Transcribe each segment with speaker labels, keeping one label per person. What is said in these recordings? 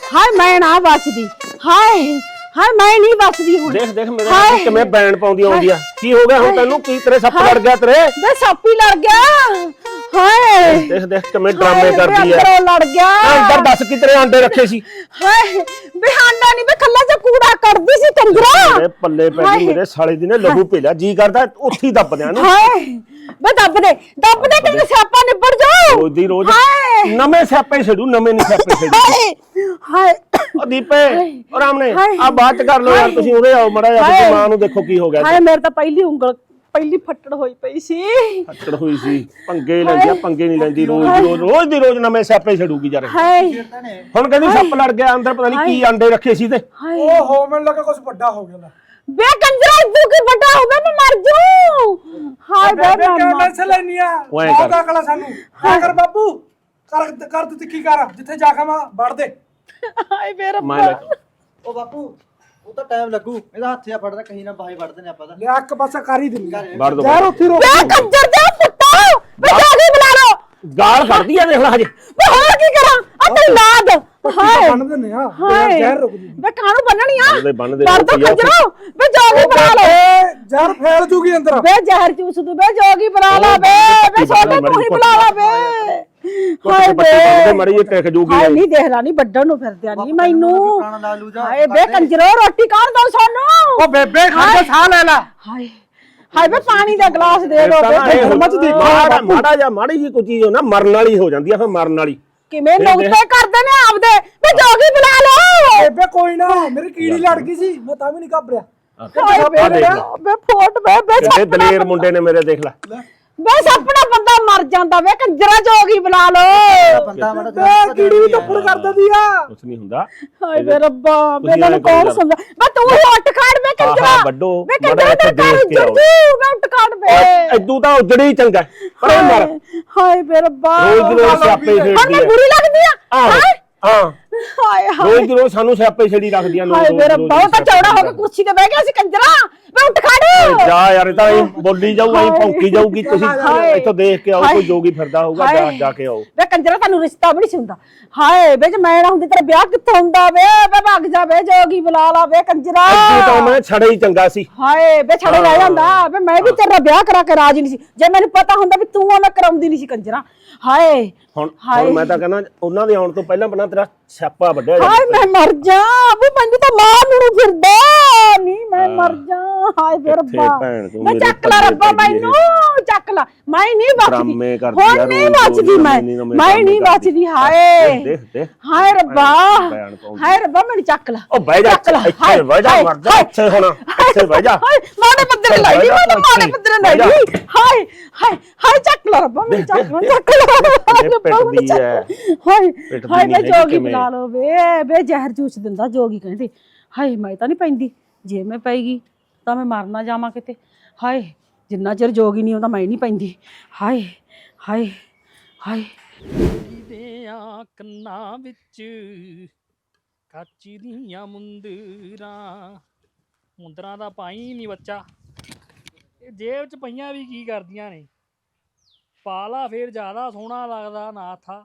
Speaker 1: ਹਾਏ ਮੈਂ ਨਾ ਬਚਦੀ। ਹਾਏ ਹਾਏ ਮੈਂ ਨਹੀਂ ਬਚਦੀ ਹੁਣ।
Speaker 2: ਦੇਖ ਦੇਖ ਮੇਰੇ ਨਾਲ ਕਿਵੇਂ ਬੈਣ ਪਾਉਂਦੀ ਆਉਂਦੀ ਆ। ਕੀ ਹੋ ਗਿਆ ਹੁਣ ਤੈਨੂੰ? ਕੀ ਤੇਰੇ ਸੱਪ ਲੜ ਗਿਆ ਤੇਰੇ?
Speaker 1: ਵੇ ਸੱਪ ਹੀ ਲੜ ਗਿਆ। ਹਾਏ
Speaker 2: ਦੇਖ ਦੇਖ ਕਿਵੇਂ ਡਰਾਮੇ ਕਰਦੀ ਆ।
Speaker 1: ਅੰਦਰੋਂ ਲੜ ਗਿਆ।
Speaker 2: ਅੰਦਰ ਦੱਸ ਕਿ ਤੇਰੇ ਆਂਡੇ ਰੱਖੇ ਸੀ?
Speaker 1: ਹਾਏ ਵੇ ਹਾਂਡਾ ਨਹੀਂ ਵੇ ਖੱਲਾ ਚ ਕੂੜਾ ਕੱਢਦੀ ਸੀ ਕੰਜਰਾ।
Speaker 2: ਮੇਰੇ ਪੱਲੇ ਪੈ ਗਈ ਮੇਰੇ ਸਾਲੇ ਦੀ ਨੇ ਲਹੂ ਪੀ ਲਿਆ। ਜੀ ਕਰਦਾ ਉੱਥੇ ਹੀ ਦੱਬ ਦਿਆਂ ਨੂੰ।
Speaker 1: ਹਾਏ ਵੇ ਦੱਬ ਦੇ ਕਿ ਸਿਆਪਾ ਨਿਬੜ ਜਾਓ।
Speaker 2: ਰੋਜ਼ ਦੀ ਰੋਜ਼ ਨਵੇਂ ਸਿਆਪੇ ਛੱਡੂ ਨਵੇਂ ਨਹੀਂ ਸਿਆਪੇ ਛੱਡੂ।
Speaker 1: ਹਾਏ ਹਾਏ
Speaker 2: ਉਹ ਦੀਪੇ ਉਹ ਰਾਮਨੇ ਆ ਬਾਅਦ ਚ ਕਰ ਲੋ ਯਾਰ। ਤੁਸੀਂ ਉਰੇ ਆਓ ਮੜਾ ਜਾ ਤੇ ਮਾਂ ਨੂੰ ਦੇਖੋ ਕੀ ਹੋ ਗਿਆ।
Speaker 1: ਹਾਏ ਮੇਰੇ ਤਾਂ ਪਹਿਲੀ ਫੱਟੜ ਹੋਈ ਪਈ ਸੀ।
Speaker 2: ਫੱਟੜ ਹੋਈ ਸੀ। ਪੰਗੇ ਲੈਂਦੀ ਆ ਪੰਗੇ ਨਹੀਂ ਲੈਂਦੀ। ਰੋਜ਼ ਦੀ ਰੋਜ਼ ਨਵੇਂ ਸਿਆਪੇ ਛੱਡੂਗੀ ਯਾਰ। ਹੁਣ ਕਹਿੰਦੀ ਸੱਪ ਲੜ ਗਿਆ ਅੰਦਰ। ਪਤਾ ਨਹੀਂ ਕੀ ਆਂਡੇ ਰੱਖੇ ਸੀ ਤੇ
Speaker 3: ਓਹੋ ਮੈਨੂੰ ਲੱਗਾ ਕੁਝ ਵੱਡਾ ਹੋ ਗਿਆ।
Speaker 1: ਬੇ ਕੰਜਰਾ ਤੂੰ ਕੀ ਵੱਡਾ ਹੋ ਗਿਆ? ਮੈਂ ਮਰ ਜੂ। ਹਾਏ ਬੇ
Speaker 3: ਕਿਉਂ ਟੈਨਸ਼ਨ ਲੈਣੀ ਆ? ਬਹੁਤ ਅਕਲ ਆ ਸਾਨੂੰ। ਕਰ ਬਾਪੂ ਕਰ ਤੂੰ ਤਿੱਖੀ ਕਰ। ਜਿੱਥੇ ਜਾ ਕੇ ਮੈਂ ਵੜ ਦੇ।
Speaker 1: ਹਾਏ ਬੇ ਰੱਬਾ।
Speaker 4: ਉਹ ਬਾਪੂ ਉਹ ਤਾਂ ਟਾਈਮ ਲੱਗੂ। ਇਹਦਾ ਹੱਥ ਆ ਫੜਦਾ ਕਹੀਂ ਨਾ ਬਾਹੀ ਵੜਦੇ ਨੇ ਆਪਾਂ ਤਾਂ।
Speaker 3: ਲੈ ਇੱਕ ਪਾਸਾ ਕਰ ਹੀ ਦਿੰਦੀ
Speaker 2: ਵੜ ਦੋ
Speaker 3: ਯਾਰ। ਉੱਥੇ ਰੋਕ
Speaker 1: ਬੇ ਕੰਜਰ ਦੇ ਪੁੱਤਾ ਬੇ ਜਾ ਕੇ ਬੁਲਾ ਲਓ।
Speaker 2: ਗਾਲ ਕੱਢਦੀ ਆ ਦੇਖ ਲੈ ਹਜੇ।
Speaker 1: ਬੇ ਹੋਰ ਕੀ ਕਰਾਂ? ਆ ਤੇ ਲਾਦ। ਹਾਏ
Speaker 3: ਬੰਨ ਦਿੰਨੇ ਆ।
Speaker 1: ਹਾਏ
Speaker 3: ਜ਼ਹਿਰ ਰੁਕਦੀ।
Speaker 1: ਬੇ ਕਾਹਨੂੰ ਬੰਨਣੀ ਆ?
Speaker 2: ਬੰਨ ਦੇ
Speaker 1: ਕਰ ਦੋ ਕੰਜਰੋ। ਬੇ ਜੋਗੀ ਬੁਲਾ ਲਓ।
Speaker 3: ਜ਼ਹਿਰ ਫੈਲ ਜੂਗੀ ਅੰਦਰ।
Speaker 1: ਬੇ ਜ਼ਹਿਰ ਚੂਸ ਦੂ। ਬੇ ਜੋਗੀ ਬੁਲਾ ਲਾ। ਬੇ ਸੋਨੇ ਤੂੰ ਹੀ ਬੁਲਾ ਲਾ ਬੇ। ਹਾਏ ਬੇ
Speaker 2: ਮੜੀ ਇਹ ਟਿਕ ਜੂਗੀ।
Speaker 1: ਹਾਏ ਨਹੀਂ ਦੇਖਦਾ ਨਹੀਂ ਵੱਡਣ ਨੂੰ ਫਿਰਦਿਆ ਨਹੀਂ ਮੈਨੂੰ।
Speaker 4: ਪੁਰਾਣਾ ਲਾ ਲੂ ਜਾ।
Speaker 1: ਹਾਏ ਬੇ ਕੰਜਰੋ ਰੋਟੀ ਕਾਹਨ ਦੋ ਸਾਨੂੰ।
Speaker 3: ਉਹ ਬੇਬੇ ਖੜ ਜਾ ਸਾਹ ਲੈ ਲੈ।
Speaker 1: ਹਾਏ ਹਾਏ ਬੇ ਪਾਣੀ ਦਾ ਗਲਾਸ ਦੇ ਦੋ ਬੇ।
Speaker 2: ਮਾੜੀ ਜੀ ਕੋਈ ਚੀਜ਼ ਹੋ ਨਾ ਮਰਨ ਵਾਲੀ ਹੋ ਜਾਂਦੀ ਆ। ਫਿਰ ਮਰਨ ਵਾਲੀ
Speaker 1: ਕਿਵੇਂ ਨੁਕਤੇ ਕਰਦੇ ਨੇ ਆਪਦੇ। ਬੇ ਜੋਗੀ ਬੁਲਾ ਲਓ।
Speaker 3: ਬੇਬੇ ਕੋਈ ਨਾ ਮੇਰੀ ਕੀੜੀ ਲੜ ਗਈ ਸੀ। ਮੈਂ ਤਾਂ ਵੀ ਨਹੀਂ ਘਬਰਿਆ।
Speaker 1: ਹਾਏ ਬੇ ਫੋਟ ਬੇ
Speaker 2: ਦਲੇਰ ਮੁੰਡੇ ਨੇ ਮੇਰੇ ਦੇਖ ਲੈ।
Speaker 1: ਬੇ ਸਪਨਾ ਬੰਦਾ ਮਰ ਜਾਂਦਾ ਵੇ ਕੰਜਰਾ ਜੋਗੀ ਬੁਲਾ ਲਓ।
Speaker 4: ਬੰਦਾ ਮਾੜਾ
Speaker 3: ਬੇ ਕੀੜੀ ਵੀ ਟੱਪੜ ਕਰ ਦਿੰਦੀ ਆ।
Speaker 2: ਕੁਛ ਨਹੀਂ ਹੁੰਦਾ।
Speaker 1: ਹਾਏ ਬੇ ਰੱਬਾ ਬੇ ਮੈਨੂੰ ਕੌਣ ਸਮਝਾ। ਬੇ ਤੂੰ ਹੀ ਉੱਠ ਖੜ ਬੇ ਕੰਜਰਾ।
Speaker 2: ਵੱਡੋ
Speaker 1: ਬੇ ਕੰਜਰਾ ਤੇ ਦੇਖ ਕੇ ਮੈਂ ਉੱਠ ਖੜ ਬੇ।
Speaker 2: ਐਦੂ ਤਾਂ ਉਜੜੀ ਚੰਗਾ ਪਰ ਉਹ ਮਰ।
Speaker 1: ਹਾਏ ਬੇ ਰੱਬਾ
Speaker 2: ਰੋਜ਼ ਰੋਜ਼ ਸਿਆਪੇ ਛੇੜਦੀ
Speaker 1: ਹਾਂ ਮੈਂ ਬੁਰੀ ਲੱਗਦੀ ਆ।
Speaker 2: ਹਾਂ
Speaker 1: ਹਾਏ ਹਾਏ
Speaker 2: ਰੋਜ਼ ਰੋਜ਼ ਸਾਨੂੰ ਸਿਆਪੇ ਛੇੜੀ ਰੱਖਦੀਆਂ
Speaker 1: ਹਾਏ ਬੇ ਰੱਬਾ ਉਹ ਤਾਂ ਚੌੜਾ ਹੋ ਕੇ ਕੁਰਸੀ ਤੇ ਬਹਿ ਗਿਆ ਸੀ ਕੰਜਰਾ। ਮੈਂ ਉੱਠ ਖੜ।
Speaker 2: ਜਾ ਯਾਰ ਇਹ ਤਾਂ ਬੋਲੀ ਜਾਊ ਐਂ ਭੌਂਕੀ ਜਾਊਗੀ। ਤੁਸੀਂ ਇੱਥੋਂ ਦੇਖ ਕੇ ਆਓ ਕੋਈ ਜੋਗੀ ਫਿਰਦਾ ਹੋਊਗਾ। ਜਾ ਕੇ ਆਓ
Speaker 1: ਵੇ ਕੰਜਰਾ ਤੁਹਾਨੂੰ ਰਿਸ਼ਤਾ ਵੀ ਨਹੀਂ ਸੀ ਹੁੰਦਾ। ਹਾਏ ਵੇ ਜੇ ਮੈਂ ਨਾ ਹੁੰਦੀ ਤੇਰਾ ਵਿਆਹ ਕਿੱਥੋਂ ਹੁੰਦਾ ਵੇ। ਵੇ ਭੱਗ ਜਾ ਵੇ ਜੋਗੀ ਬੁਲਾ ਲਾ ਵੇ ਕੰਜਰਾ।
Speaker 2: ਐਦੂ ਤਾਂ ਮੈਂ ਛੜੇ ਹੀ ਚੰਗਾ ਸੀ।
Speaker 1: ਹਾਏ ਵੇ ਛੜੇ ਰਹਿ ਜਾਂਦਾ ਵੇ। ਮੈਂ ਵੀ ਤੇਰਾ ਵਿਆਹ ਕਰਾ ਕੇ ਰਾਜੀ ਨਹੀਂ ਸੀ। ਜੇ ਮੈਨੂੰ ਪਤਾ ਹੁੰਦਾ ਵੀ ਤੂੰ ਮੈਂ ਕਰਾਉਂਦੀ ਨਹੀਂ ਸੀ ਕੰਜਰਾ। ਹਾਏ
Speaker 2: ਹੁਣ ਮੈਂ ਤਾਂ ਕਹਿੰਦਾ ਉਹਨਾਂ ਦੇ ਆਉਣ ਤੋਂ ਪਹਿਲਾਂ ਤੇਰਾ ਸਿਆਪਾ ਵੱਢਿਆ ਜਾ।
Speaker 1: ਹਾਏ ਮੈਂ ਮਰ ਜਾ। ਵੀ ਮੈਨੂੰ ਤਾਂ ਮਾਰ ਨੂੰ ਫਿਰਦਾ ਨਹੀਂ। ਮੈਂ ਮਰ ਜਾ। ਹਾਏ ਵੇ ਰੱਬਾ ਮੈਂ ਚੱਕ ਲਾ ਰੱਬਾ ਮੈਨੂੰ ਚੱਕ ਲਾ। ਮੈਂ ਨਹੀਂ ਬਚਦੀ ਹੁਣ ਨਹੀਂ ਬਚਦੀ। ਮੈਂ ਨਹੀਂ ਬਚਦੀ। ਹਾਏ
Speaker 2: ਦੇਖ ਦੇਖ
Speaker 1: ਹਾਏ ਰੱਬਾ ਹਾਏ ਰੱਬਾ ਮੈਨੂੰ ਚੱਕ ਲਾ।
Speaker 2: ਉਹ ਬਹਿ ਜਾ ਇੱਥੇ ਬਹਿ ਜਾ ਮਰ ਜਾ ਇੱਥੇ ਹੁਣ ਇੱਥੇ ਬਹਿ ਜਾ।
Speaker 1: ਹਾਏ ਮਾੜੇ ਬੰਦੇ ਲਾਈ ਨਹੀਂ। ਮੈਂ ਮਾੜੇ ਬੰਦੇ ਲਾਈ ਨਹੀਂ। ਹਾਏ ਹਾਏ ਹਾਏ ਚੱਕ ਲਾ ਰੱਬਾ ਮੈਨੂੰ ਚੱਕ ਲਾ।
Speaker 2: ਪਿੱਟਦੀ ਹੈ
Speaker 1: ਹਾਏ ਹਾਏ ਮੈਂ ਜੋਗੀ ਬੁਲਾ ਲਓ ਵੇ ਜ਼ਹਿਰ ਜੂਸ ਦਿੰਦਾ ਜੋਗੀ ਕਹਿੰਦੇ। ਹਾਏ ਮੈਂ ਤਾਂ ਨਹੀਂ ਪੈਂਦੀ। ਜੇ ਮੈਂ ਪੈਗੀ ਤਾਂ ਮੈਂ ਮਰ ਨਾ ਜਾਵਾਂ ਕਿਤੇ। ਹਾਏ ਜਿੰਨਾ ਚਿਰ ਜੋਗੀ ਨਹੀਂ ਆਉਂਦਾ ਮੈਂ ਨਹੀਂ ਪੈਂਦੀ। ਹਾਏ ਹਾਏ ਹਾਏ
Speaker 5: ਦੇ ਕੰਨਾਂ ਵਿੱਚ ਕੱਚ ਦੀਆਂ ਮੁੰਦਰਾਂ ਦਾ ਪਾਈ ਨਹੀਂ ਬੱਚਾ। ਇਹ ਜੇਬ 'ਚ ਪਈਆਂ ਵੀ ਕੀ ਕਰਦੀਆਂ ਨੇ। ਪਾਲਾ ਫੇਰ ਜ਼ਿਆਦਾ ਸੋਹਣਾ ਲੱਗਦਾ ਨਾ ਥਾ।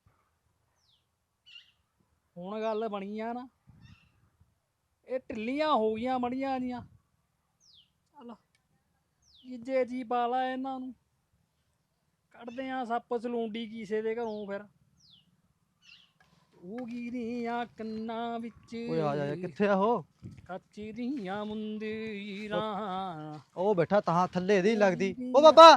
Speaker 5: ਹੁਣ ਗੱਲ ਬਣੀ ਆ ਨਾ ਇਹ ਢਿੱਲੀਆਂ ਹੋ ਗਈਆਂ ਮੜੀਆਂ ਜੀਆਂ। ਚੱਲ ਜੀਜੇ ਜੀ ਪਾਲਾ ਇਹਨਾਂ ਨੂੰ ਕੱਢਦੇ ਆ ਸੱਪ ਸਲੂੰਡੀ ਕਿਸੇ ਦੇ ਘਰੋਂ। ਫਿਰ ਉਹ ਦੀਆਂ ਕੰਨਾਂ ਵਿੱਚ
Speaker 4: ਓਏ ਆ ਜਾ ਕਿੱਥੇ ਆ ਉਹ?
Speaker 5: ਕੱਚ ਦੀਆਂ ਮੁੰਦਰਾਂ।
Speaker 4: ਉਹ ਬੈਠਾ ਤਾਂ ਥੱਲੇ ਇਹਦੀ ਲੱਗਦੀ। ਓ ਬਾਬਾ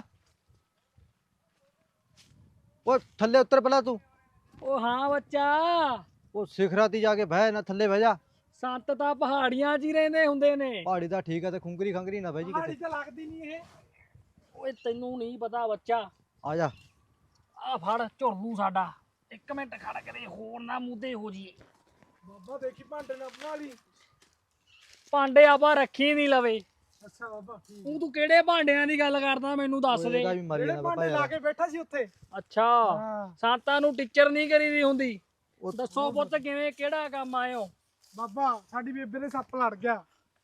Speaker 4: ਓਏ ਥੱਲੇ ਉੱਤਰ ਪਹਿਲਾਂ ਤੂੰ।
Speaker 5: ਉਹ ਹਾਂ ਬੱਚਾ।
Speaker 4: ਉਹ ਸਿਖਰਾਂ ਤੇ ਜਾ ਕੇ ਬਹਿ ਨਾ ਥੱਲੇ ਬਹਿ ਜਾ।
Speaker 5: ਸੰਤ ਤਾਂ ਪਹਾੜੀਆਂ 'ਚ ਹੀ ਰਹਿੰਦੇ ਹੁੰਦੇ ਨੇ।
Speaker 4: ਪਹਾੜੀ ਤਾਂ ਠੀਕ ਆ ਤੇ ਖੁੰਗਰੀ ਖੰਗਰੀ ਨਾ ਬਹਿ ਜੀ
Speaker 3: ਪਹਾੜੀ
Speaker 4: ਕਿਤੇ।
Speaker 3: ਤਾਂ ਲੱਗਦੀ ਨਹੀਂ ਇਹ।
Speaker 5: ਓਏ ਤੈਨੂੰ ਨਹੀਂ ਪਤਾ ਬੱਚਾ।
Speaker 4: ਆ ਜਾ
Speaker 5: ਆ ਫੜ ਝੁਰਲੂ ਸਾਡਾ। ਇੱਕ ਮਿੰਟ ਖੜ ਕਰੇ ਹੋਰ ਨਾ ਮੁੱਦੇ ਹੋ ਜੀਏ।
Speaker 3: ਬਾਬਾ ਦੇਖੀ ਭਾਂਡੇ ਨਾ ਬਣਾ ਲਈ।
Speaker 5: ਭਾਂਡੇ ਆਪਾਂ ਰੱਖੀ ਨਹੀਂ ਲਵੇ।
Speaker 3: ਅੱਛਾ ਬਾਬਾ
Speaker 5: ਤੂੰ ਕਿਹੜੇ ਭਾਂਡਿਆਂ ਦੀ ਗੱਲ ਕਰਦਾ ਮੈਨੂੰ ਦੱਸ ਦੇ।
Speaker 4: ਇਹਦਾ ਵੀ ਮਾਰੀ
Speaker 3: ਜਿਹੜੇ
Speaker 4: ਨਾ ਬਾਬਾ
Speaker 3: ਭਾਂਡੇ ਲਾ
Speaker 4: ਯਾਰ।
Speaker 3: ਕੇ ਬੈਠਾ ਸੀ ਉੱਥੇ।
Speaker 5: ਅੱਛਾ
Speaker 3: ਹਾਂ
Speaker 5: ਸੰਤਾਂ ਨੂੰ ਟੀਚਰ ਨਹੀਂ ਕਰੀ ਦੀ ਹੁੰਦੀ। ਦੱਸੋ ਪੁੱਤ ਕਿਵੇਂ ਕਿਹੜਾ ਕੰਮ ਆਇਓ।
Speaker 3: ਬਾਬਾ ਸਾਡੀ ਬੇਬੇ ਦੇ ਸੱਪ ਲੜ ਗਿਆ।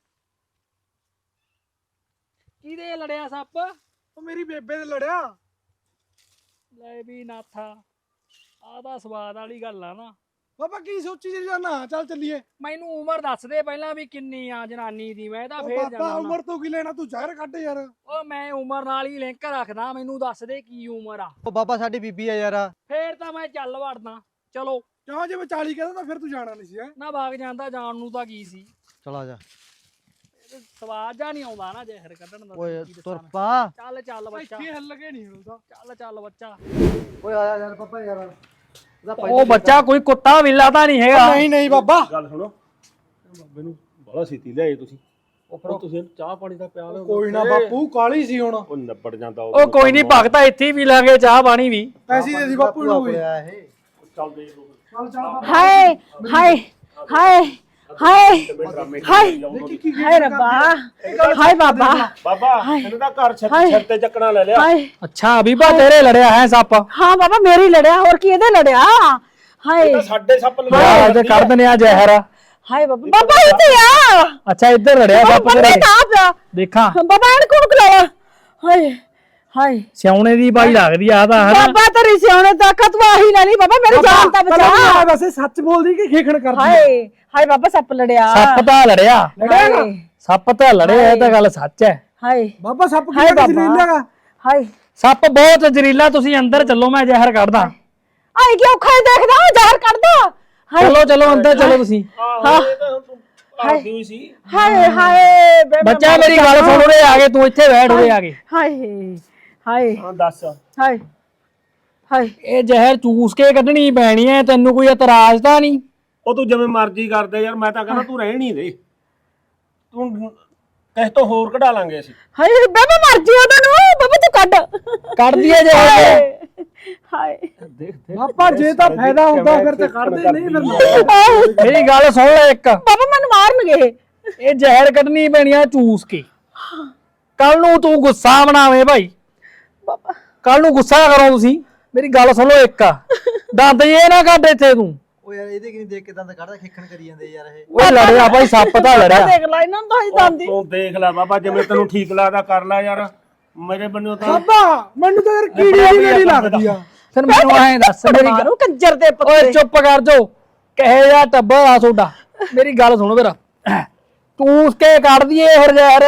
Speaker 5: ਕਿਹਦੇ ਲੜਿਆ ਸੱਪ?
Speaker 3: ਉਹ ਮੇਰੀ ਬੇਬੇ ਦੇ ਲੜਿਆ।
Speaker 5: ਲੈ ਵੀ ਨਾਥਾ ਆਹ ਤਾਂ ਸਵਾਦ ਵਾਲੀ ਗੱਲ ਆ ਨਾ।
Speaker 3: ਬਾਬਾ ਕੀ ਸੋਚੀ ਜੀ ਜਾਨਾ ਚੱਲ ਚੱਲੀਏ।
Speaker 5: ਮੈਨੂੰ ਉਮਰ ਦੱਸ ਦੇ ਪਹਿਲਾਂ ਵੀ ਕਿੰਨੀ ਆ ਜਨਾਨੀ ਦੀ, ਮੈਂ ਤਾਂ ਫੇਰ
Speaker 3: ਬਾਬਾ
Speaker 5: ਜਾਣਾ।
Speaker 3: ਉਮਰ ਤੋਂ ਕੀ ਲੈਣਾ, ਤੂੰ ਜ਼ਹਿਰ ਕੱਢ ਯਾਰ।
Speaker 5: ਉਹ ਮੈਂ ਉਮਰ ਨਾਲ ਹੀ ਲਿੰਕ ਰੱਖਦਾ, ਮੈਨੂੰ ਦੱਸ ਦੇ ਕੀ ਉਮਰ ਆ,
Speaker 4: ਉਹ ਬਾਬਾ ਸਾਡੀ ਬੀਬੀ ਆ ਯਾਰ।
Speaker 5: ਫੇਰ ਤਾਂ ਮੈਂ ਚੱਲ ਵੜਦਾ। ਚਲੋ
Speaker 3: ਕਿਉਂ ਜੇ ਮੈਂ 40 ਕਹਿੰਦਾ ਤਾਂ ਫਿਰ ਤੂੰ ਜਾਣਾ ਨਹੀਂ ਸੀ ਹੈ।
Speaker 5: ਨਾ ਭਾਗ ਜਾਂਦਾ, ਜਾਣ ਨੂੰ ਤਾਂ ਕੀ ਸੀ,
Speaker 4: ਚਲ ਆ ਜਾ।
Speaker 5: ਸਵਾਦ ਜਾ ਨਹੀਂ ਆਉਂਦਾ ਨਾ ਜ਼ਹਿਰ ਕੱਢਣ ਦਾ।
Speaker 4: ਓਏ
Speaker 5: ਕੀ ਦੱਸਾਂ
Speaker 4: ਤੁਰ
Speaker 5: ਮੈਂ।
Speaker 4: ਪਾ।
Speaker 5: ਚੱਲ ਚੱਲ ਬੱਚਾ,
Speaker 3: ਇੱਥੇ ਹੱਲ ਲਗੇ ਨਹੀਂ ਹੁੰਦਾ।
Speaker 5: ਚੱਲ ਬੱਚਾ।
Speaker 4: ਓਏ ਆ ਜਾ ਯਾਰ ਪਾਪਾ ਯਾਰ।
Speaker 5: ਉਹ ਬੱਚਾ ਕੋਈ ਕੁੱਤਾ ਬਿੱਲਾ ਤਾਂ ਨਹੀਂ ਹੈਗਾ।
Speaker 3: ਨਹੀਂ ਨਹੀਂ ਬਾਬਾ
Speaker 2: ਗੱਲ ਸੁਣੋ, ਬਾਬੇ ਨੂੰ ਬੜਾ ਛੇਤੀ ਲਿਆਏ ਤੁਸੀਂ। ਉਹ ਤੁਸੀਂ ਚਾਹ ਪਾਣੀ ਦਾ ਪਿਆ ਲਿਓ।
Speaker 3: ਕੋਈ ਨਾ ਬਾਪੂ, ਕਾਲੀ ਸੀ ਹੁਣ।
Speaker 2: ਉਹ ਨਿਬੜ ਜਾਂਦਾ
Speaker 5: ਉਹ ਕੋਈ ਨਹੀਂ ਭਗਤਾ, ਇੱਥੇ ਹੀ ਪੀ ਲਾਂਗੇ ਚਾਹ ਪਾਣੀ ਵੀ।
Speaker 3: ਪੈਸੇ ਦੇ ਦੀ ਬਾਪੂ ਨੂੰ ਵੀ।
Speaker 2: ਚੱਲ ਦੇ ਲੋ
Speaker 3: ਚੱਲ ਚੱਲ ਬਾਬਾ।
Speaker 1: ਹਾਏ ਹਾਏ ਹਾਏ ਹਾਏ ਹਾਏ ਹਾਏ ਰੱਬਾ ਹਾਏ ਬਾਬਾ
Speaker 2: ਬਾਬਾ ਇਹਨੂੰ ਤਾਂ ਘਰ ਛੱਤ ਤੇ ਚੱਕਣਾ ਲੈ ਲਿਆ।
Speaker 1: ਹਾਏ
Speaker 5: ਅੱਛਾ ਬੀਬਾ ਤੇਰੇ ਲੜਿਆ ਹੈ ਸੱਪ?
Speaker 1: ਹਾਂ ਬਾਬਾ ਮੇਰੀ ਲੜਿਆ, ਹੋਰ ਕੀ ਇਹਦੇ ਲੜਿਆ? ਹਾਏ
Speaker 2: ਤਾਂ ਸਾਡੇ ਸੱਪ
Speaker 5: ਯਾਰ ਅੱਜ ਕੱਢ ਦਿੰਦੇ ਆ ਜ਼ਹਿਰ।
Speaker 1: ਹਾਏ ਬਾਬਾ, ਬਾਬਾ ਇੱਥੇ ਆ।
Speaker 5: ਅੱਛਾ ਇੱਧਰ ਲੜਿਆ ਸੱਪ
Speaker 1: ਬਾਬਾ
Speaker 5: ਤੇਰੇ।
Speaker 1: ਤਾਂ ਪਿਆ
Speaker 5: ਦੇਖਾਂ
Speaker 1: ਬਾਬਾ, ਇਹਨੂੰ ਕੋਣ ਖਲਾਇਆ? ਹਾਏ ਹਾਏ
Speaker 5: ਸਿਆਉਣੇ ਦੀ ਬਾਈ ਲੱਗਦੀ ਆ ਤਾਂ ਹਨਾ।
Speaker 1: ਬਾਬਾ ਤੇਰੀ ਸਿਆਣੇ ਤਾਕਤ ਵਾਹੀ ਨਾ ਨਹੀਂ ਬਾਬਾ, ਮੇਰੀ ਜਾਨ ਤਾਂ ਬਚਾ।
Speaker 3: ਵੈਸੇ ਸੱਚ ਬੋਲਦੀ ਕਿ ਖੇਖਣ ਕਰਦੀ?
Speaker 1: ਹਾਏ ਹਾਏ ਬਾਬਾ ਸੱਪ ਲੜਿਆ।
Speaker 5: ਸੱਪ ਤਾਂ ਲੜਿਆ,
Speaker 1: ਹਾਏ
Speaker 5: ਸੱਪ ਤਾਂ ਲੜਿਆ, ਇਹ ਤਾਂ ਗੱਲ ਸੱਚ ਹੈ।
Speaker 1: ਹਾਏ
Speaker 3: ਬਾਬਾ ਸੱਪ
Speaker 1: ਹਾਏ
Speaker 3: ਕਿਹੜਾ
Speaker 1: ਬਾਬਾ।
Speaker 3: ਜ਼ਹਿਰੀਲਾ?
Speaker 1: ਹਾਏ
Speaker 5: ਸੱਪ ਬਹੁਤ ਜ਼ਹਿਰੀਲਾ, ਤੁਸੀਂ ਅੰਦਰ ਚੱਲੋ, ਮੈਂ ਜ਼ਹਿਰ ਕੱਢਦਾ।
Speaker 1: ਆਏ ਕੀ ਔਖਾ ਦੇਖਦਾ, ਜ਼ਹਿਰ ਕੱਢਦਾ। ਹਾਏ
Speaker 5: ਚਲੋ ਚਲੋ ਅੰਦਰ ਚਲੋ ਤੁਸੀਂ।
Speaker 2: ਆਹੋ ਇਹ ਤਾਂ ਹੁਣ ਤੂੰ ਆਦੀ ਹੋਈ ਸੀ।
Speaker 1: ਹਾਏ ਹਾਏ ਬੇ ਮੈਂ
Speaker 5: ਬੱਚਾ ਮੇਰੀ ਗੱਲ ਸੁਣ, ਉਰੇ ਆ ਕੇ ਤੂੰ ਇੱਥੇ ਬੈਠ, ਉਰੇ ਆ ਕੇ।
Speaker 1: ਹਾਏ ਹਾਏ
Speaker 2: ਹਾਂ ਦੱਸ।
Speaker 1: ਹਾਏ ਹਾਏ
Speaker 5: ਇਹ ਜ਼ਹਿਰ ਚੂਸ ਕੇ ਕੱਢਣੀ ਪੈਣੀ ਹੈ, ਤੈਨੂੰ ਕੋਈ ਇਤਰਾਜ਼ ਤਾਂ ਨਹੀਂ?
Speaker 2: ਉਹ ਤੂੰ ਜਿਵੇਂ ਮਰਜ਼ੀ ਕਰਦੇ ਯਾਰ, ਮੈਂ ਤਾਂ ਕਹਿੰਦਾ ਤੂੰ ਰਹਿਣ ਹੀ ਦੇ। ਤੂੰ ਕਿਸੇ ਤੋਂ ਹੋਰ ਕਢਾ ਲਾਂਗੇ ਅਸੀਂ।
Speaker 1: ਹਾਏ ਬੇ ਮੈਂ ਮਰ ਜੀ ਉਹਨਾਂ ਨੂੰ, ਬਾਬਾ ਤੂੰ ਕੱਢ
Speaker 5: ਕੱਢ ਦਈਏ ਜ਼ਹਿਰ।
Speaker 1: ਹਾਏ
Speaker 2: ਦੇਖ
Speaker 3: ਬਾਬਾ ਜੇ ਤਾਂ ਫਾਇਦਾ ਹੁੰਦਾ ਫਿਰ ਤੇ ਕੱਢਦੇ, ਨਹੀਂ ਫਿਰ
Speaker 5: ਮੇਰੀ ਗੱਲ ਸੁਣ ਲੈ ਇੱਕ,
Speaker 1: ਬਾਬਾ ਮੈਨੂੰ ਮਾਰਨਗੇ।
Speaker 5: ਇਹ ਜ਼ਹਿਰ ਕੱਢਣੀ ਪੈਣੀ ਆ ਚੂਸ ਕੇ। ਕੱਲ ਨੂੰ ਤੂੰ ਗੁੱਸਾ ਬਣਾਵੇਂ ਭਾਈ,
Speaker 1: ਬਾਬਾ
Speaker 5: ਕੱਲ ਨੂੰ ਗੁੱਸਾ ਕਰੋ ਤੁਸੀਂ। ਮੇਰੀ ਗੱਲ ਸੁਣੋ ਇੱਕ, ਦੰਦ ਇਹ ਨਾ ਕੱਢ ਇੱਥੇ ਤੂੰ।
Speaker 4: ਓ ਯਾਰ ਇਹਦੇ ਕਿ ਨਹੀਂ ਦੇਖ ਕੇ ਦੰਦ ਕੱਢਦਾ, ਖੇਖਣ ਕਰੀ ਜਾਂਦੇ ਯਾਰ ਇਹ।
Speaker 5: ਓਏ ਲੜਿਆ ਭਾਈ, ਸੱਪ ਤਾਂ ਲੜਿਆ।
Speaker 1: ਦੇਖ ਲੈ ਇਹਨਾਂ ਨੂੰ ਤਾਂ ਹੀ ਜਾਂਦੀ।
Speaker 2: ਤੂੰ ਦੇਖ ਲੈ ਬਾਬਾ, ਜਿਵੇਂ ਤੈਨੂੰ ਠੀਕ ਲੱਗਦਾ ਕਰ ਲੈ ਯਾਰ। ਮੇਰੇ ਬੰਨਿਓ ਤਾਂ
Speaker 3: ਬਾਬਾ ਮੈਨੂੰ ਤਾਂ ਯਾਰ ਕੀੜੀ ਦੀ ਮੇਰੀ ਲੱਗਦੀ ਆ।
Speaker 5: ਫਿਰ ਮੈਨੂੰ ਐਂ ਦੱਸ, ਮੇਰੀ ਗੱਲ-
Speaker 1: ਮਾਰੂ ਕੰਜਰ ਦੇ
Speaker 5: ਓਏ
Speaker 1: ਪੁੱਤੇ।
Speaker 5: ਚੁੱਪ ਕਰ ਜੋ, ਕਹੇ ਜਾ ਟੱਬਰ ਆ ਤੁਹਾਡਾ। ਮੇਰੀ ਗੱਲ ਸੁਣੋ ਮੇਰਾ, ਚੂਸ ਕੇ ਕੱਢ ਦਈਏ ਫਿਰ ਜ਼ਹਿਰ।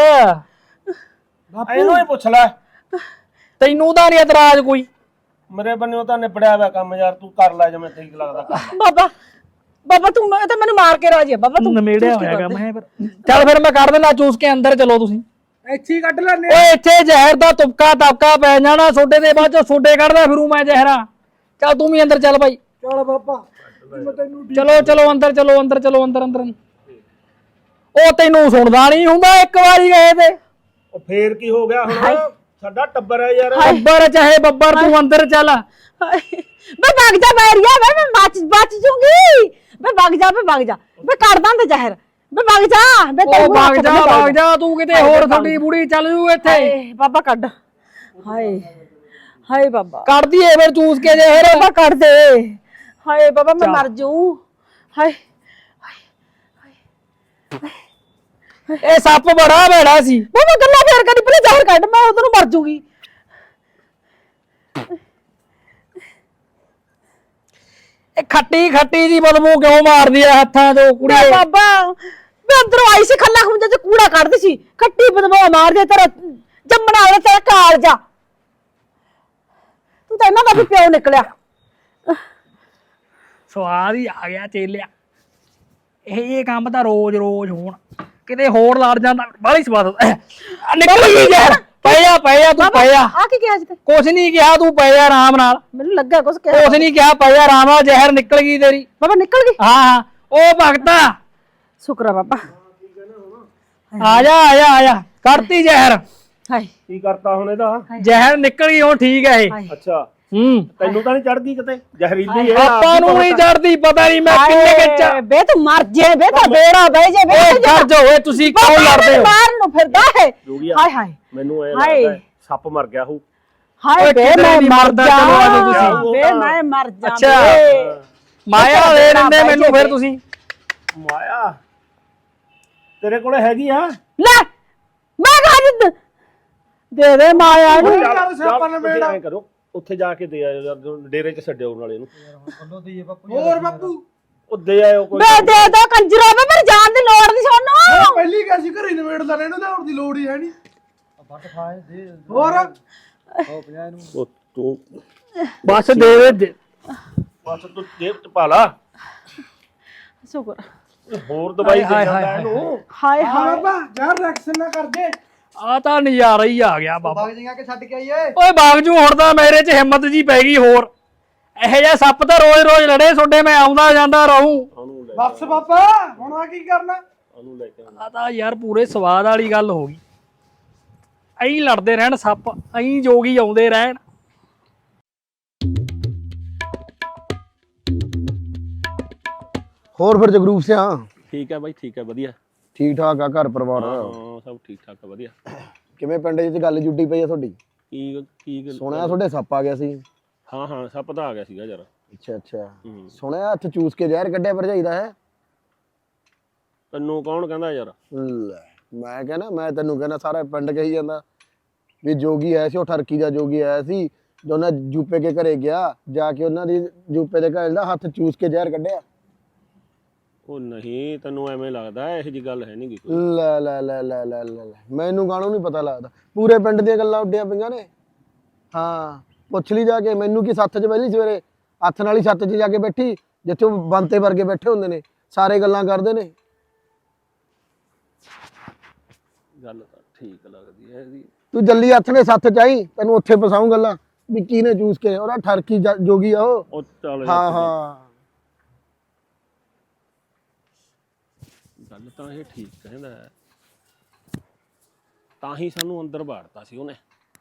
Speaker 2: ਇਹਨੂੰ ਹੀ ਪੁੱਛ ਲੈ,
Speaker 5: ਤੈਨੂੰ ਤਾਂ ਨਹੀਂ ਇਤਰਾਜ਼ ਕੋਈ?
Speaker 2: ਮੇਰੇ ਬੰਨਿਓ ਤਾਂ ਨਿਬੜਿਆ ਹੋਇਆ ਕੰਮ ਯਾਰ। ਤੂੰ ਕਰ ਲੈ ਜਿਵੇਂ ਠੀਕ ਲੱਗਦਾ ਕਰ ਲੈ।
Speaker 1: ਬਾਬਾ ਬਾਬਾ ਤੂੰ ਇਹ ਤਾਂ ਮੈਨੂੰ ਮਾਰ ਕੇ ਰਾਜੀ ਆ ਬਾਬਾ, ਤੂੰ
Speaker 5: ਨਮੇੜਿਆ ਹੋਇਆ ਕੰਮ ਹੈ। ਚੱਲ ਫਿਰ ਮੈਂ ਕੱਢ ਦਿੰਦਾ ਚੂਸ ਕੇ, ਅੰਦਰ ਚਲੋ ਤੁਸੀਂ।
Speaker 3: ਇੱਥੇ ਹੀ ਕੱਢ ਲੈਣੇ।
Speaker 5: ਓਏ ਇੱਥੇ ਜ਼ਹਿਰ ਦਾ ਤੁਪਕਾ ਤਪਕਾ ਪੈ ਜਾਣਾ ਸੋਡੇ ਦੇ, ਬਾਅਦ ਚੋਂ ਸੋਡੇ ਕੱਢਦਾ ਫਿਰੂ ਮੈਂ ਜ਼ਹਿਰਾ। ਚੱਲ ਤੂੰ ਵੀ ਅੰਦਰ ਚੱਲ ਭਾਈ।
Speaker 3: ਚੱਲ ਬਾਬਾ ਮੈਂ ਤੈਨੂੰ
Speaker 5: ਚਲੋ ਚਲੋ ਅੰਦਰ ਚਲੋ, ਅੰਦਰ ਚਲੋ, ਅੰਦਰ ਅੰਦਰ। ਉਹ ਤੈਨੂੰ ਸੁਣਦਾ ਨਹੀਂ ਹੁੰਦਾ, ਇੱਕ ਵਾਰੀ ਗਏ ਤੇ।
Speaker 2: ਉਹ ਫੇਰ ਕੀ ਹੋ ਗਿਆ ਹੁਣ? ਸਾਡਾ ਟੱਬਰ ਹੈ ਯਾਰ।
Speaker 5: ਬੱਬਰ ਚਾਹੇ ਬੱਬਰ, ਤੂੰ ਅੰਦਰ ਚੱਲ।
Speaker 1: ਹਾਏ ਬੇ ਭੱਗ ਜਾ ਬੈਰੀਆ, ਮੈਂ ਬਚ ਜੂੰਗੀ। ਬੇ ਭੱਗ ਜਾ ਬੇ ਕੱਢ ਦਾਂ ਜ਼ਹਿਰ। ਬੇ ਭੱਗ ਜਾ ਬੇ,
Speaker 5: ਉਹ ਭਾਗ ਜਾ ਤੂੰ ਕਿਤੇ ਹੋਰ, ਤੁਹਾਡੀ ਬੁੜੀ ਚੱਲ ਜੂ ਇੱਥੇ।
Speaker 1: ਹਾਏ ਬਾਬਾ ਕੱਢ। ਹਾਏ ਹਾਏ ਬਾਬਾ
Speaker 5: ਕੱਢ ਦਈਏ ਫਿਰ ਚੂਸ ਕੇ ਜ਼ਹਿਰ।
Speaker 1: ਬਾਬਾ ਕੱਢ ਦੇ। ਹਾਏ ਬਾਬਾ ਮੈਂ ਮਰ ਜੂ। ਹਾਏ
Speaker 5: ਇਹ ਸੱਪ ਬੜਾ ਭੈੜਾ ਸੀ।
Speaker 1: ਬਾਬਾ ਗੱਲਾਂ ਫੇਰ ਕਰੀ, ਪਹਿਲੇ ਜ਼ਹਿਰ ਕੱਢ, ਮੈਂ ਉਧਰ ਨੂੰ ਮਰ ਜੂਗੀ।
Speaker 5: ਇਹ ਖੱਟੀ ਖੱਟੀ ਜੀ ਬਦਬੂ ਕਿਉਂ ਮਾਰਦੀ ਆ ਹੱਥਾਂ ਤੋਂ ਕੁੜੀ?
Speaker 1: ਬੇ ਬਾਬਾ ਮੈਂ ਅੰਦਰੋਂ ਆਈ ਸੀ, ਖੱਲਾ ਖੁੰਝਾ ਚ ਕੂੜਾ ਕੱਢਦੀ ਸੀ, ਖੱਟੀ ਬਦਬੂ ਮਾਰ ਦੇ। ਤੇਰਾ ਜੰਮਣਾ ਵਾਲਾ ਤੇਰਾ ਕਾਲਜਾ, ਤੂੰ ਤਾਂ ਇਹਨਾਂ ਦਾ ਵੀ ਪਿਓ ਨਿਕਲਿਆ।
Speaker 5: ਸਵਾਦ ਹੀ ਆ ਗਿਆ ਚੇਲਿਆ। ਇਹ ਕੰਮ ਤਾਂ ਰੋਜ਼ ਰੋਜ਼ ਹੋਣ, ਕਿਤੇ ਹੋਰ ਲੜ ਜਾਂਦਾ, ਬਾਹਲੀ ਸਵਾਦ ਨਿਕਲ ਗਈ ਯਾਰ। ਪੈ ਜਾ ਤੂੰ ਪੈ ਜਾ।
Speaker 1: ਆ ਕੀ ਕਿਹਾ ਜੀ ਤੇ?
Speaker 5: ਕੁਛ ਨਹੀਂ ਕਿਹਾ, ਤੂੰ ਪੈ ਜਾ ਆਰਾਮ ਨਾਲ।
Speaker 1: ਮੈਨੂੰ ਲੱਗਾ ਕੁਛ ਕਿਹਾ।
Speaker 5: ਕੁਛ ਨਹੀਂ ਕਿਹਾ, ਪੈ ਜਾ ਆਰਾਮ ਨਾਲ, ਜ਼ਹਿਰ ਨਿਕਲ ਗਈ ਤੇਰੀ।
Speaker 1: ਬਾਬਾ ਨਿਕਲ ਗਈ।
Speaker 5: ਹਾਂ ਉਹ ਭਗਤਾ
Speaker 1: ਸ਼ੁਕਰ ਆ ਬਾਬਾ।
Speaker 5: ਆ ਜਾ ਕਰਤੀ ਜ਼ਹਿਰ।
Speaker 1: ਹਾਏ
Speaker 2: ਕੀ ਕਰਤਾ ਹੁਣ ਇਹਦਾ?
Speaker 5: ਜ਼ਹਿਰ ਨਿਕਲ ਗਈ, ਹੁਣ ਠੀਕ ਹੈ ਇਹ।
Speaker 2: ਅੱਛਾ
Speaker 5: ਹੂੰ
Speaker 2: ਤੈਨੂੰ ਤਾਂ ਨਹੀਂ ਚੜਦੀ ਕਿਤੇ? ਜ਼ਹਿਰੀਲੀ ਹੈ
Speaker 5: ਆਪਾਂ ਨੂੰ ਨਹੀਂ ਚੜਦੀ, ਪਤਾ ਨਹੀਂ ਮੈਂ ਕਿੰਨੇ
Speaker 1: ਹਾਏ ਬੇ ਤੂੰ ਮਰ ਜੇ ਬੇ, ਤਾਂ ਬੇੜਾ ਬਹਿ ਜੇ ਬੇ।
Speaker 5: ਓਏ ਕਰ ਜੋ, ਓਏ ਤੁਸੀਂ ਕਿਉਂ ਲੜਦੇ ਹੋ?
Speaker 1: ਮਾਰਨ ਨੂੰ ਫਿਰਦਾ ਹੈ।
Speaker 2: ਜੋਗੀਆ,
Speaker 1: ਹਾਏ ਹਾਏ
Speaker 2: ਮੈਨੂੰ ਇਹ
Speaker 1: ਹਾਏ।
Speaker 2: ਲੱਗਦਾ ਸੱਪ ਮਰ ਗਿਆ ਹੂ।
Speaker 1: ਹਾਏ ਬੇ
Speaker 5: ਕਿਧਰੇ
Speaker 1: ਮੈਂ
Speaker 5: ਨੀ
Speaker 1: ਮਰ
Speaker 5: ਮਰਦਾ,
Speaker 1: ਜਾ।
Speaker 5: ਚਲੋ ਆਜੋ ਤੁਸੀਂ।
Speaker 1: ਬੇ ਮੈਂ ਮਰ ਜਾ।
Speaker 5: ਅੱਛਾ ਮਾਇਆ ਦੇ ਦਿੰਦੇ ਮੈਨੂੰ ਫਿਰ ਤੁਸੀਂ।
Speaker 2: ਮਾਇਆ ਤੇਰੇ ਕੋਲੇ ਹੈਗੀ ਆ?
Speaker 1: ਲੈ ਮੈਂ ਕਹਾ ਦੇ ਦੇ ਮਾਇਆ ਨੂੰ।
Speaker 2: ਐਂ ਕਰੋ, ਉੱਥੇ ਜਾ ਕੇ ਦੇ ਆਇਓ ਯਾਰ, ਡੇਰੇ 'ਚ ਛੱਡਿਓ ਨਾਲੇ ਇਹਨੂੰ।
Speaker 4: ਵੱਲੋਂ ਦਈਏ ਬਾਪੂ।
Speaker 3: ਹੋਰ ਬਾਪੂ
Speaker 2: ਉਹ ਦੇ ਆਇਓ ਕੋਈ
Speaker 1: ਬੇ ਦੇ ਦੋ ਕੰਜਰਾ ਵੇ ਮੇਰੇ ਜਾਣ ਦੀ ਲੋੜ ਨਹੀਂ ਸਾਨੂੰ
Speaker 3: ਪਹਿਲੀ ਕਿਹਾ ਸੀ ਘਰੇ ਨਿਬੇੜ ਲੈਣੇ ਇਹਨੂੰ ਲਿਆਉਣ ਦੀ ਲੋੜ ਹੀ ਹੈ ਨਹੀਂ
Speaker 4: ਵੱਟ ਖਾਏ ਦੇ
Speaker 3: ਹੋਰ
Speaker 4: ਉਹ 50 ਨੂੰ
Speaker 2: ਉਹ ਤੂੰ
Speaker 5: ਬਸ ਦੇ ਦੇ
Speaker 2: ਬਸ ਤੂੰ ਜੇਬ ਚ ਪਾ ਲਾ
Speaker 1: ਸ਼ੁਕਰ
Speaker 2: ਹੋਰ ਦਵਾਈ ਦੇ
Speaker 5: ਹਾਏ,
Speaker 2: ਜਾਂਦਾ
Speaker 5: ਹਾਏ,
Speaker 2: ਇਹਨੂੰ
Speaker 1: ਹਾਏ
Speaker 3: ਹਾਂ
Speaker 1: ਹਾਏ
Speaker 3: ਬਾਬਾ ਯਾਰ ਰਿਐਕਸ਼ਨ ਨਾ ਕਰ ਦੇ
Speaker 5: ਆ ਤਾਂ ਨਜ਼ਾਰਾ ਹੀ ਆ ਗਿਆ ਬਾਬਾ।
Speaker 4: ਬਾਗ ਜਿਹਾ ਕੇ ਛੱਡ ਕੇ ਆਈਏ
Speaker 5: ਓਏ ਬਾਗਜੂ ਹੁਣ ਤਾਂ ਮੇਰੇ 'ਚ ਹਿੰਮਤ ਜੀ ਪੈ ਗਈ ਹੋਰ। ਇਹੋ ਜਿਹਾ ਸੱਪ ਤਾਂ ਰੋਜ਼-ਰੋਜ਼ ਲੜੇ ਤੁਹਾਡੇ ਮੈਂ ਆਉਂਦਾ ਜਾਂਦਾ ਰਹੂੰ।
Speaker 2: ਉਹਨੂੰ ਲੈ
Speaker 3: ਬਸ ਬਾਬਾ ਹੁਣ ਆ ਕੀ ਕਰਨਾ
Speaker 2: ਉਹਨੂੰ ਲੈ ਕੇ ਆਉਣਾ।
Speaker 5: ਆ ਤਾਂ ਯਾਰ ਪੂਰੇ ਸਵਾਦ ਵਾਲੀ ਗੱਲ ਹੋ ਗਈ। ਐਂ ਲੜਦੇ ਰਹਿਣ ਸੱਪ, ਐਂ ਜੋਗੀ ਆਉਂਦੇ ਰਹਿਣ।
Speaker 6: ਹੋਰ ਫਿਰ ਜਗਰੂਪ ਸਿਆ
Speaker 2: ਠੀਕ ਹੈ ਬਾਈ ਠੀਕ ਹੈ ਵਧੀਆ
Speaker 6: ਠੀਕ ਠਾਕ ਆ ਘਰ ਪਰਿਵਾਰ
Speaker 2: ਹਾਂ ਸਭ ਠੀਕ ਠਾਕ ਹੈ ਵਧੀਆ।
Speaker 6: ਕਿਵੇਂ ਪਿੰਡ 'ਚ ਗੱਲ ਜੁੱਟੀ ਪਈ ਆ ਤੁਹਾਡੀ?
Speaker 2: ਕੀ ਕੀ
Speaker 6: ਸੁਣਿਆ ਤੁਹਾਡੇ ਸੱਪ ਆ ਗਿਆ ਸੀ।
Speaker 2: ਹਾਂ ਹਾਂ ਸੱਪ ਤਾਂ ਆ ਗਿਆ ਸੀਗਾ ਯਾਰ।
Speaker 6: ਅੱਛਾ ਅੱਛਾ
Speaker 2: ਹੂੰ।
Speaker 6: ਸੁਣਿਆ ਹੱਥ ਚੂਸ ਕੇ ਜ਼ਹਿਰ ਕੱਢਿਆ ਭਰਜਾਈ ਦਾ ਹੈ।
Speaker 2: ਤੈਨੂੰ ਕੌਣ ਕਹਿੰਦਾ ਯਾਰ?
Speaker 6: ਲੈ ਮੈਂ ਕਹਿੰਦਾ ਮੈਂ ਤੈਨੂੰ ਕਹਿੰਦਾ ਸਾਰਾ ਪਿੰਡ ਕਹੀ ਜਾਂਦਾ ਵੀ ਜੋਗੀ ਆਇਆ ਸੀ, ਉਹ ਠਰਕੀ ਦਾ ਜੋਗੀ ਆਇਆ ਸੀ ਜੋ ਉਹਨਾਂ ਜੂਪੇ ਕੇ ਘਰੇ ਗਿਆ, ਜਾ ਕੇ ਉਹਨਾਂ ਦੀ ਜੂਪੇ ਦੇ ਘਰ ਦਾ ਹੱਥ ਚੂਸ ਕੇ ਜ਼ਹਿਰ ਕੱਢਿਆ।
Speaker 2: ਉਹ ਨਹੀਂ ਤੈਨੂੰ ਐਵੇਂ ਲੱਗਦਾ ਇਹੋ ਜੀ ਗੱਲ ਹੈ ਨਹੀਂ ਕੋਈ।
Speaker 6: ਲੈ ਲੈ ਲੈ ਲੈ ਲੈ ਲੈ ਮੈਨੂੰ ਕਾਹਨੂੰ ਨਹੀਂ ਪਤਾ ਲੱਗਦਾ, ਪੂਰੇ ਪਿੰਡ ਦੀਆਂ ਗੱਲਾਂ ਉੱਡੀਆਂ ਪਈਆਂ ਨੇ। ਹਾਂ ਪੁੱਛ ਲਈ ਜਾ ਕੇ, ਮੈਨੂੰ ਕੀ ਸੱਥ 'ਚ ਪਹਿਲੀ ਸਵੇਰੇ ਹੱਥ ਨਾਲ ਹੀ ਛੱਤ 'ਚ ਜਾ ਕੇ ਬੈਠੀ ਜਿੱਥੇ ਉਹ ਬੰਤੇ ਵਰਗੇ ਬੈਠੇ ਹੁੰਦੇ ਨੇ, ਸਾਰੇ ਗੱਲਾਂ ਕਰਦੇ ਨੇ।
Speaker 2: ਗੱਲ ਤਾਂ ਠੀਕ ਲੱਗਦੀ ਹੈ ਇਹਦੀ।
Speaker 6: ਤੂੰ ਜੱਲੀ ਹੱਥ ਨੇ ਸੱਥ 'ਚ ਆਈ, ਤੈਨੂੰ ਉੱਥੇ ਫਸਾਉਂ ਗੱਲਾਂ ਵੀ ਕਿਹਨੇ ਚੂਸ ਕੇ, ਉਹਦਾ ਠਰਕੀ ਜੋਗੀ ਆ ਉਹ।
Speaker 2: ਉਹ ਚੱਲ
Speaker 6: ਹਾਂ ਹਾਂ
Speaker 2: ਗੱਲ ਤਾਂ ਇਹ ਠੀਕ ਕਹਿੰਦਾ ਹੈ। ਤਾਂ ਹੀ ਸਾਨੂੰ ਅੰਦਰ ਬਾੜਤਾ ਸੀ ਉਹਨੇ।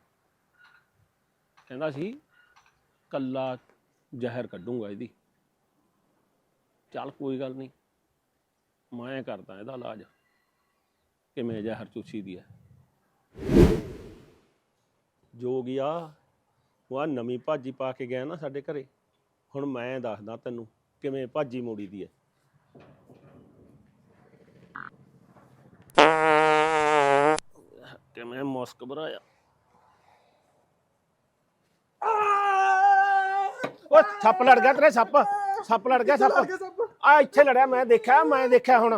Speaker 2: ਕਹਿੰਦਾ ਸੀ ਕੱਲਾ ਜ਼ਹਿਰ ਕੱਢੂੰਗਾ ਇਹਦੀ। ਚੱਲ ਕੋਈ ਗੱਲ ਨਹੀਂ, ਮੈਂ ਕਰਦਾ ਇਹਦਾ ਇਲਾਜ ਕਿਵੇਂ ਜ਼ਹਿਰ ਚੂਸੀ ਦੀ ਹੈ। ਜੋ ਗਿਆ ਉਹ ਆ ਨਵੀਂ ਭਾਜੀ ਪਾ ਕੇ ਗਿਆ ਨਾ ਸਾਡੇ ਘਰੇ। ਹੁਣ ਮੈਂ ਦੱਸਦਾ ਤੈਨੂੰ ਕਿਵੇਂ ਭਾਜੀ ਮੋੜੀ ਦੀ ਹੈ। ਕਿਵੇਂ ਮੁਸਕ ਭਰਾਇਆ। ਓ ਸੱਪ ਲੜ ਗਿਆ ਤੇਰੇ, ਸੱਪ ਸੱਪ ਲੜ ਗਿਆ ਸੱਪ। ਆ ਇੱਥੇ ਲੜਿਆ, ਮੈਂ ਦੇਖਿਆ ਹੁਣ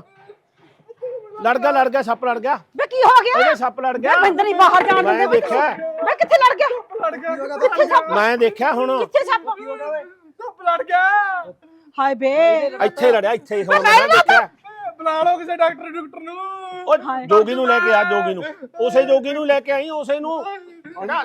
Speaker 2: ਲੜ ਗਿਆ ਸੱਪ ਲੜ ਗਿਆ।
Speaker 1: ਵੇ ਕੀ ਹੋ ਗਿਆ?
Speaker 2: ਇਹਦੇ ਸੱਪ ਲੜ ਗਿਆ।
Speaker 1: ਬੰਦ ਨਹੀਂ ਬਾਹਰ ਜਾਣ ਦਿੰਦੇ।
Speaker 2: ਮੈਂ ਦੇਖਿਆ।
Speaker 1: ਵੇ ਕਿੱਥੇ ਲੜ ਗਿਆ? ਕਿੱਥੇ ਸੱਪ?
Speaker 2: ਮੈਂ ਦੇਖਿਆ ਹੁਣ
Speaker 1: ਕਿੱਥੇ ਸੱਪ?
Speaker 3: ਧੁੱਪ ਲੜ ਗਿਆ
Speaker 1: ਹਾਏ ਬੇ
Speaker 2: ਇੱਥੇ ਲੜਿਆ, ਇੱਥੇ ਹੁਣ ਮੈਂ ਦੇਖਿਆ।
Speaker 3: ਬੁਲਾ ਲਓ ਕਿਸੇ ਡਾਕਟਰ ਨੂੰ
Speaker 2: ਉਹ ਜੋਗੀ ਨੂੰ ਲੈ ਕੇ ਆ, ਜੋਗੀ ਨੂੰ ਉਸੇ ਜੋਗੀ ਨੂੰ ਲੈ ਕੇ ਆਈ, ਉਸੇ ਨੂੰ ਹਾਂ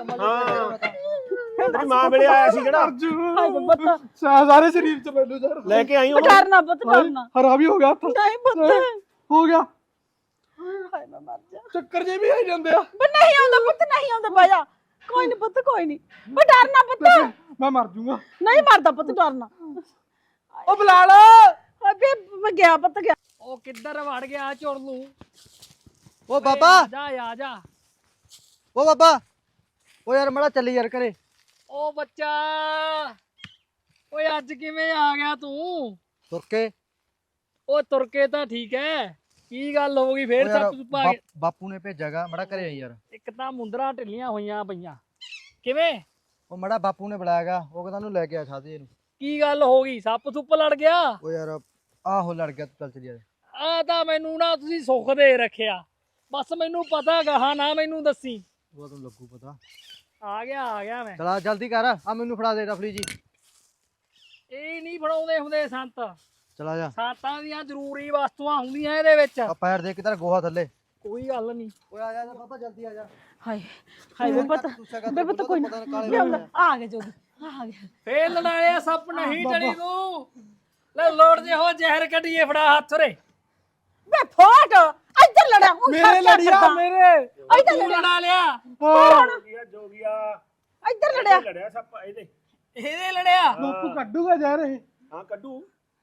Speaker 2: ਤੇਰੀ ਮਾਂ ਵੇਲੇ ਆਇਆ ਸੀ ਜਿਹੜਾ।
Speaker 1: ਹਾਏ ਬੱਤ
Speaker 3: ਸਾਰੇ ਸਰੀਰ ਚ ਮੈਨੂੰ ਯਾਰ
Speaker 2: ਲੈ ਕੇ ਆਈ ਉਹਨੂੰ।
Speaker 1: ਡਰਨਾ ਬੱਤ ਡਰਨਾ
Speaker 3: ਹਰਾ ਵੀ ਹੋ ਗਿਆ ਹੱਥ
Speaker 1: ਨਹੀਂ ਬੱਤ
Speaker 3: ਹੋ ਗਿਆ।
Speaker 1: ਹਾਏ ਮੈਂ ਮਰ ਜਾ।
Speaker 3: ਚੱਕਰ ਜੇ ਵੀ ਆਈ ਜਾਂਦੇ ਆ।
Speaker 1: ਬੇ ਨਹੀਂ ਆਉਂਦਾ ਪੁੱਤ, ਨਹੀਂ ਆਉਂਦਾ ਬਾਜਾ। ਕੋਈ ਨਹੀਂ ਪੁੱਤ, ਕੋਈ ਨਹੀਂ। ਬੇ ਡਰਨਾ ਪੁੱਤ।
Speaker 3: ਮੈਂ ਮਰ ਜੂੰਗਾ।
Speaker 1: ਨਹੀਂ ਮਰਦਾ ਪੁੱਤ, ਡਰਨਾ।
Speaker 3: ਉਹ ਬੁਲਾ ਲਓ।
Speaker 1: ਹਾਏ ਬੇ ਮੈਂ ਗਿਆ ਪੁੱਤ ਗਿਆ।
Speaker 5: ਉਹ ਕਿੱਧਰ ਵੜ ਗਿਆ ਝੁਰਲੂ?
Speaker 4: ਉਹ ਬਾਬਾ
Speaker 5: ਆ ਜਾ।
Speaker 4: ਉਹ ਬਾਬਾ ਉਹ ਯਾਰ ਮੜਾ ਚੱਲੀ ਯਾਰ ਘਰੇ।
Speaker 5: ਉਹ ਬੱਚਾ ਓਏ ਅੱਜ ਕਿਵੇਂ ਆ ਗਿਆ ਤੂੰ?
Speaker 4: ਤੁਰ ਕੇ
Speaker 5: ਉਹ ਤੁਰ ਕੇ ਤਾਂ ਠੀਕ ਹੈ, ਕੀ ਗੱਲ ਹੋ ਗਈ ਫੇਰ?
Speaker 4: ਉਹ ਯਾਰ
Speaker 5: ਸੱਪ ਸੁੱਪ ਆ ਗਿਆ?
Speaker 4: ਬਾਪੂ ਨੇ ਭੇਜਾਗਾ ਮੜਾ ਘਰੇ ਆਈ ਯਾਰ।
Speaker 5: ਇੱਕ ਤਾਂ ਮੁੰਦਰਾਂ ਢਿੱਲੀਆਂ ਹੋਈਆਂ ਪਈਆਂ। ਕਿਵੇਂ?
Speaker 4: ਉਹ ਮੜਾ ਬਾਪੂ ਨੇ ਬੁਲਾਇਆਗਾ, ਉਹ ਕਹਿੰਦਾ ਉਹਨੂੰ ਲੈ ਕੇ ਆ ਖਾਦੇ ਇਹਨੂੰ।
Speaker 5: ਕੀ ਗੱਲ ਹੋ ਗਈ? ਸੱਪ ਸੁੱਪ ਲੜ ਗਿਆ?
Speaker 4: ਉਹ ਯਾਰ ਆਹੋ ਲੜ ਗਿਆ, ਤੂੰ ਚੱਲ ਚੱਲੀ ਯਾਰ।
Speaker 5: ਆ ਤਾਂ ਮੈਨੂੰ ਨਾ ਤੁਸੀਂ ਸੁੱਖ ਦੇ ਰੱਖਿਆ, ਬਸ ਮੈਨੂੰ ਪਤਾ ਗਾਹਾਂ ਨਾ ਮੈਨੂੰ ਦੱਸੀ।
Speaker 4: ਉਹ ਤੈਨੂੰ ਲੱਗੂ ਪਤਾ।
Speaker 5: ਆ ਗਿਆ ਮੈਂ।
Speaker 4: ਚਲਾ ਜਲਦੀ ਕਰ, ਆ ਮੈਨੂੰ ਫੜਾ ਦੇ ਰਫਲੀ ਜੀ।
Speaker 5: ਇਹ ਨਹੀਂ ਫੜਾਉਂਦੇ ਹੁੰਦੇ ਸੰਤ,
Speaker 4: ਚਲਾ ਜਾ।
Speaker 5: ਸੰਤਾਂ ਦੀਆਂ ਜ਼ਰੂਰੀ ਵਸਤੂਆਂ ਹੁੰਦੀਆਂ ਇਹਦੇ ਵਿੱਚ।
Speaker 4: ਆ ਪੈਰ ਦੇ ਕੇ ਤੇਰਾ ਗੋਹਾ ਥੱਲੇ।
Speaker 5: ਕੋਈ ਗੱਲ ਨਹੀਂ।
Speaker 4: ਓਏ ਆ ਜਾ ਬਾਬਾ ਜਲਦੀ ਆ ਜਾ।
Speaker 1: ਹਾਏ ਹਾਏ ਬੇ ਪੁੱਤ, ਬੇ ਪੁੱਤ ਕੋਈ ਨਾ। ਆ ਗਿਆ ਜੋਗੀ, ਆ ਗਿਆ।
Speaker 5: ਫੇਰ ਲੜਾਇਆ ਸੱਪ ਨਹੀਂ ਟਲੀ ਤੂੰ। ਲੈ ਲੋੜ ਜੇ ਹੋ ਜ਼ਹਿਰ ਕੱਢੀਏ, ਫੜਾ ਹੱਥ ਰੇ।
Speaker 1: ਬੇ ਫੋਟ ਇੱਧਰ ਲੜਿਆ
Speaker 3: ਮੇਰੇ ਲੜਿਆ ਮੇਰੇ
Speaker 1: ਇੱਧਰ
Speaker 5: ਤੂੰ
Speaker 1: ਲੜਿਆ
Speaker 5: ਲੜਾ ਲਿਆ।
Speaker 2: ਜੋਗੀਆ
Speaker 1: ਇੱਧਰ ਲੜਿਆ।
Speaker 2: ਲੜਿਆ ਸੱਪ
Speaker 5: ਇਹਦੇ ਲੜਿਆ।
Speaker 3: ਬਾਪੂ ਕੱਢੂਗਾ ਯਾਰ ਇਹ।
Speaker 2: ਹਾਂ ਕੱਢੂ।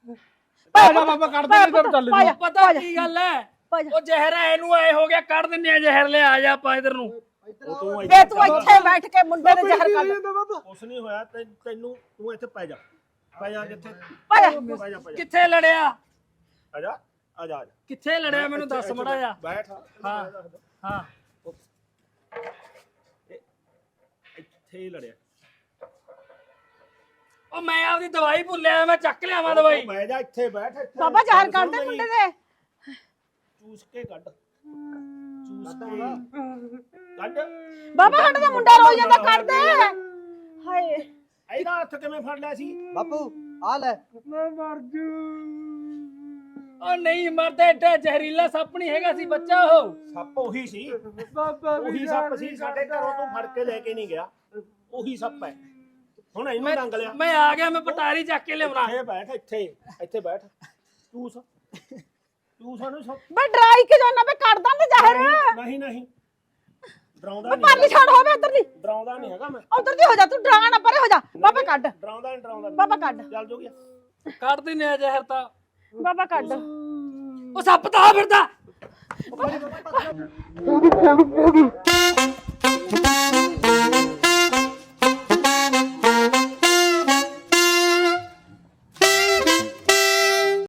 Speaker 3: ਆ ਜਾ ਬਾਬਾ ਕੱਢ ਦੇ ਤੇ ਚੱਲ ਜੀ।
Speaker 5: ਪਤਾ ਕੀ ਗੱਲ ਹੈ? ਉਹ ਜ਼ਹਿਰ ਇਹਨੂੰ ਐ ਹੋ ਗਿਆ, ਕੱਢ ਦਿੰਨੇ ਆ ਜ਼ਹਿਰ। ਲੈ ਆ ਜਾ ਆਪਾਂ ਇਧਰ ਨੂੰ।
Speaker 2: ਤੂੰ
Speaker 1: ਬੇ ਤੂੰ ਇੱਥੇ ਬੈਠ ਕੇ ਮੁੰਡੇ ਦੇ ਜ਼ਹਿਰ ਕੱਢ।
Speaker 2: ਕੁਛ ਨਹੀਂ ਹੋਇਆ ਤੈਨੂੰ, ਤੂੰ ਇੱਥੇ ਪੈ ਜਾ ਜਿੱਥੇ
Speaker 1: ਪੈ ਜਾ।
Speaker 5: ਕਿੱਥੇ ਲੜਿਆ?
Speaker 2: ਆ ਜਾ
Speaker 5: ਕਿੱਥੇ ਲੜਿਆ ਮੈਨੂੰ ਦੱਸ ਮੜਾ ਜਾ।
Speaker 2: ਬੈਠ।
Speaker 5: ਹਾਂ
Speaker 2: ਇੱਥੇ ਹੀ ਲੜਿਆ।
Speaker 5: ਉਹ ਮੈਂ ਆਪਦੀ ਦਵਾਈ ਭੁੱਲਿਆ ਮੈਂ ਚੱਕ ਲਿਆਵਾਂ ਦਵਾਈ।
Speaker 2: ਬਹਿ ਜਾ ਇੱਥੇ ਬੈਠ ਇੱਥੇ।
Speaker 1: ਬਾਬਾ ਜ਼ਹਿਰ ਕੱਢ ਦੇ ਮੁੰਡੇ ਦੇ।
Speaker 2: ਚੂਸ ਕੇ ਕੱਢ, ਚੂਸ ਕੇ ਕੱਢ।
Speaker 1: ਬਾਬਾ ਸਾਡਾ ਤਾਂ ਮੁੰਡਾ ਰੋ ਜਾਂਦਾ, ਕੱਢ ਦੇ। ਹਾਏ
Speaker 2: ਇਹਦਾ ਹੱਥ ਕਿਵੇਂ ਫੜ ਲਿਆ ਸੀ?
Speaker 4: ਬਾਪੂ ਆ ਲੈ।
Speaker 3: ਮੈਂ ਮਰ ਜੂ।
Speaker 5: ਉਹ ਨਹੀਂ ਮਰਦਾ, ਏਡਾ ਜ਼ਹਿਰੀਲਾ ਸੱਪ ਨਹੀਂ ਹੈਗਾ ਸੀ ਬੱਚਾ ਉਹ।
Speaker 2: ਸੱਪ ਉਹੀ ਸੀ,
Speaker 3: ਬਾਬਾ
Speaker 2: ਉਹੀ ਸੱਪ ਸੀ ਸਾਡੇ ਘਰੋਂ ਤੂੰ ਫੜ ਕੇ ਲੈ ਕੇ ਨਹੀਂ ਗਿਆ। ਉਹੀ ਸੱਪ ਹੈ। ਹੁਣ ਇਹਨੂੰ ਡੰਗ ਲਿਆ।
Speaker 5: ਮੈਂ ਆ ਗਿਆ, ਮੈਂ ਪਟਾਰੀ ਚੱਕ ਕੇ ਲਿਆਉਣਾ।
Speaker 2: ਇੱਥੇ ਬੈਠ, ਇੱਥੇ ਇੱਥੇ ਬੈਠ। ਚੂਸ ਚੂਸ ਉਹਨੂੰ
Speaker 1: ਬਈ ਡਰਾਈ ਕੇ ਜਾਨਾ ਬਈ ਕੱਢ ਦਾਂ ਤੇ ਜ਼ਹਿਰ।
Speaker 2: ਨਹੀਂ ਨਹੀਂ ਡਰਾਉਂਦਾ
Speaker 1: ਬਈ
Speaker 2: ਨਹੀਂ,
Speaker 1: ਪਾਲੀ ਛੱਡ ਹੋਵੇ ਉਧਰ ਦੀ,
Speaker 2: ਡਰਾਉਂਦਾ ਨਹੀਂ ਹੈਗਾ ਮੈਂ।
Speaker 1: ਉਧਰ ਦੀ ਹੋ ਜਾ ਤੂੰ, ਡਰਾ ਨਾ ਪਰੇ ਹੋ ਜਾ। ਬਾਬਾ ਕੱਢ,
Speaker 2: ਡਰਾਉਂਦਾ ਨਹੀਂ, ਡਰਾਉਂਦਾ
Speaker 1: ਬਾਬਾ ਕੱਢ,
Speaker 2: ਚੱਲ ਜੋ ਗਿਆ।
Speaker 5: ਕੱਢ ਦਿੰਨੇ ਆ ਜ਼ਹਿਰ ਤਾਂ।
Speaker 1: ਬਾਬਾ ਕੱਢ।
Speaker 5: ਉਹ ਸੱਪ ਤਾਂ ਆ ਫਿਰਦਾ।